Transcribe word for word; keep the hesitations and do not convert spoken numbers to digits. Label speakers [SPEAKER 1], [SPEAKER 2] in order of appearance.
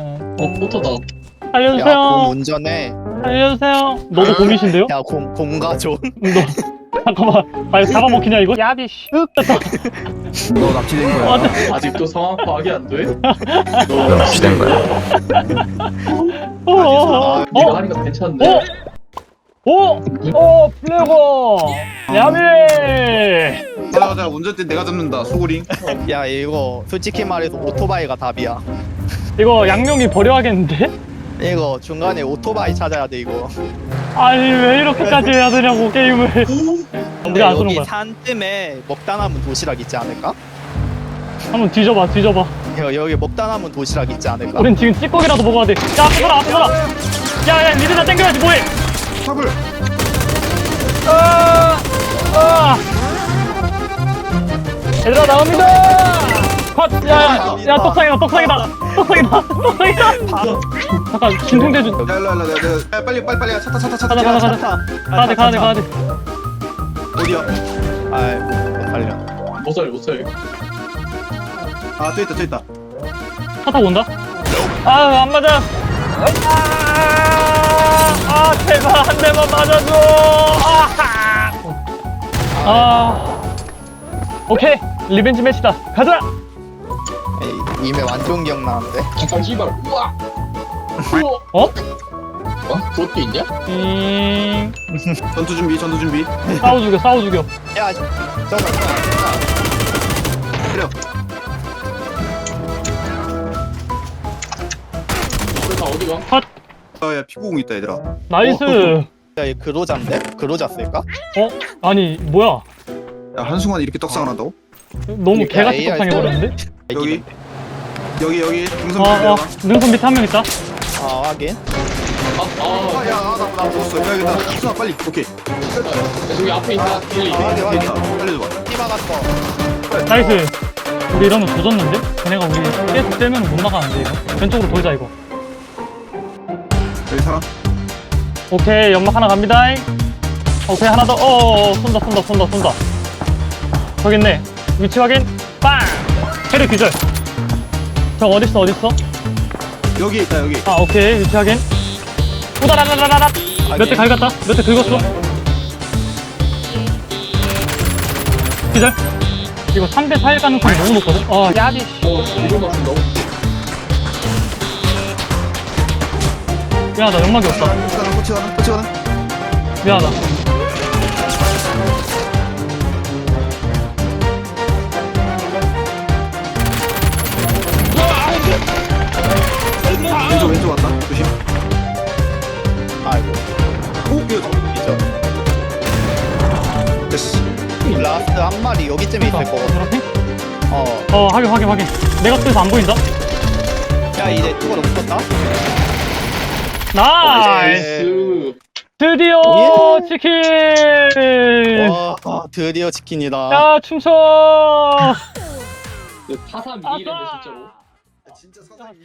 [SPEAKER 1] 어,
[SPEAKER 2] 어 포터다.
[SPEAKER 3] 야, 곰
[SPEAKER 1] 알려주세요.
[SPEAKER 3] 운전해.
[SPEAKER 1] 알려주세요. 너도 곰이신데요?
[SPEAKER 3] 야, 곰, 곰가족.
[SPEAKER 1] 너 잠깐만. 아 잡아먹히냐 이거? 야비 씨.
[SPEAKER 4] 너 납치된 거야.
[SPEAKER 1] 아,
[SPEAKER 2] 아직도 상황 파악이 안 돼?
[SPEAKER 4] 너 납치된 거야.
[SPEAKER 1] 어, 어, 어,
[SPEAKER 2] 네가
[SPEAKER 1] 어,
[SPEAKER 2] 하니까 괜찮네.
[SPEAKER 1] 어, 어, 어, 플레고. 야비.
[SPEAKER 4] 자, 자, 운전대 내가 잡는다. 소구링.
[SPEAKER 3] 야, 이거 솔직히 말해서 오토바이가 답이야.
[SPEAKER 1] 이거 양용이 버려야겠는데?
[SPEAKER 3] 이거 중간에 오토바이 찾아야 돼, 이거.
[SPEAKER 1] 아니 왜 이렇게까지 해야 되냐고 게임을.
[SPEAKER 3] 근데
[SPEAKER 1] 우리가 안 쏘는
[SPEAKER 3] 여기
[SPEAKER 1] 거야.
[SPEAKER 3] 산쯤에 먹다 남은 도시락 있지 않을까?
[SPEAKER 1] 한번 뒤져봐, 뒤져봐.
[SPEAKER 3] 여, 여기 먹다 남은 도시락 있지 않을까?
[SPEAKER 1] 우린 지금 찌꺼기라도 먹어야 돼. 야, 앞에 서라, 앞에 서라. 야, 야, 니들 다 땡겨야지, 뭐해?
[SPEAKER 4] 탑을.
[SPEAKER 1] 아, 아. 얘들아, 나옵니다. 컷. 야, 야, 야, 떡상이다, 떡상이다, 떡상이다, 떡상이다. 잠깐, 진통제 좀.
[SPEAKER 4] 야, 일로 와, 일로 와, 일로 와. 야, 빨리, 빨리, 빨리. 차타, 차타, 차타.
[SPEAKER 1] 가자, 가자, 가자. 가야 돼, 가야 돼, 가야 돼.
[SPEAKER 4] 어디야?
[SPEAKER 3] 아이, 못 살려.
[SPEAKER 2] 못 살려 못 살려.
[SPEAKER 4] 아, 또 있다, 또 있다.
[SPEAKER 1] 차 타고 온다. 아, 안 맞아. 아, 아, 제발 한 대만 맞아줘. 아, 아, 오케이, 리벤지 매치다. 가자.
[SPEAKER 3] 에이, 이메 완전 기억나는데?
[SPEAKER 2] 잠깐 씨발. 우와.
[SPEAKER 1] 어?
[SPEAKER 2] 어? 그것도 있냐?
[SPEAKER 1] 잉.
[SPEAKER 4] 전투 준비, 전투 준비.
[SPEAKER 1] 싸워 죽여, 싸워 죽여.
[SPEAKER 3] 야, 잠깐만, 잠깐만.
[SPEAKER 4] 때려.
[SPEAKER 2] 그래서 어디가?
[SPEAKER 1] 컷.
[SPEAKER 4] 아, 야, 피구공 있다, 얘들아.
[SPEAKER 1] 나이스.
[SPEAKER 4] 어,
[SPEAKER 3] 야, 이 그로자인데? 그로자 쓸까?
[SPEAKER 1] 어? 아니 뭐야?
[SPEAKER 4] 야, 한순간 이렇게 떡상을 한다고?
[SPEAKER 1] 너무
[SPEAKER 3] 그러니까
[SPEAKER 1] 개같이
[SPEAKER 3] 에이아이
[SPEAKER 1] 떡상해 버렸는데?
[SPEAKER 4] 여기. 여기, 여기. 등선
[SPEAKER 1] 어,
[SPEAKER 4] 밑에
[SPEAKER 1] 어,
[SPEAKER 4] 내려가.
[SPEAKER 1] 능선 밑에 한 명 있다.
[SPEAKER 3] 아, 하긴.
[SPEAKER 2] 아, 아,
[SPEAKER 4] 아, 야, 아, 나, 나 죽었어. 야, 여기다. 수아, 빨리. 오케이.
[SPEAKER 2] 야, 저기 앞에 있다. 뒤에
[SPEAKER 3] 아,
[SPEAKER 2] 있다.
[SPEAKER 3] 확인,
[SPEAKER 4] 여기
[SPEAKER 3] 확인.
[SPEAKER 4] 있다. 알려줘봐.
[SPEAKER 3] 띠 박았어.
[SPEAKER 1] 나이스. 우리 이러면 조졌는데? 걔네가 우리 계속 떼면 못 나가는데 이거. 왼쪽으로 돌자 이거.
[SPEAKER 4] 여기 사람.
[SPEAKER 1] 오케이, 연막 하나 갑니다. 오케이, 하나 더. 어어어, 쏜다 쏜다 쏜다 쏜다. 저기 있네. 위치 확인. 빵. 캐리 기절. 저 어딨어 어딨어?
[SPEAKER 4] 여기 있다, 여기.
[SPEAKER 1] 아, 오케이, 위치 확인. 우다라라라라. 몇 대 갈갔다. 몇 대 긁었어. 기절. 이거 삼 대 사일 가능성이 너무 높거든? 아, 야비.
[SPEAKER 2] 어, 이걸 맞춘 너무.
[SPEAKER 1] 미안하다, 연막이 없다.
[SPEAKER 4] 코치 가나, 코치 가나, 코치 가나.
[SPEAKER 1] 미안하다.
[SPEAKER 4] 왼쪽, 왼쪽 왔다. 조심.
[SPEAKER 3] 아이고.
[SPEAKER 4] 오, 이거
[SPEAKER 3] 이죠.
[SPEAKER 4] 됐어.
[SPEAKER 3] 라스트 한 마리 여기쯤에 있을 거거든.
[SPEAKER 1] 이렇게?
[SPEAKER 3] 어.
[SPEAKER 1] 어, 확인, 확인, 확인. 내가 뜨서 안 보인다?
[SPEAKER 3] 야, 이제 뚜껑 없었다?
[SPEAKER 1] 나이스!
[SPEAKER 2] 나이스.
[SPEAKER 1] 드디어
[SPEAKER 3] 예.
[SPEAKER 1] 치킨!
[SPEAKER 3] 와, 아, 드디어 치킨이다.
[SPEAKER 1] 야, 춤춰!
[SPEAKER 2] 그 타사 미일인데 진짜로.
[SPEAKER 4] 진짜 사상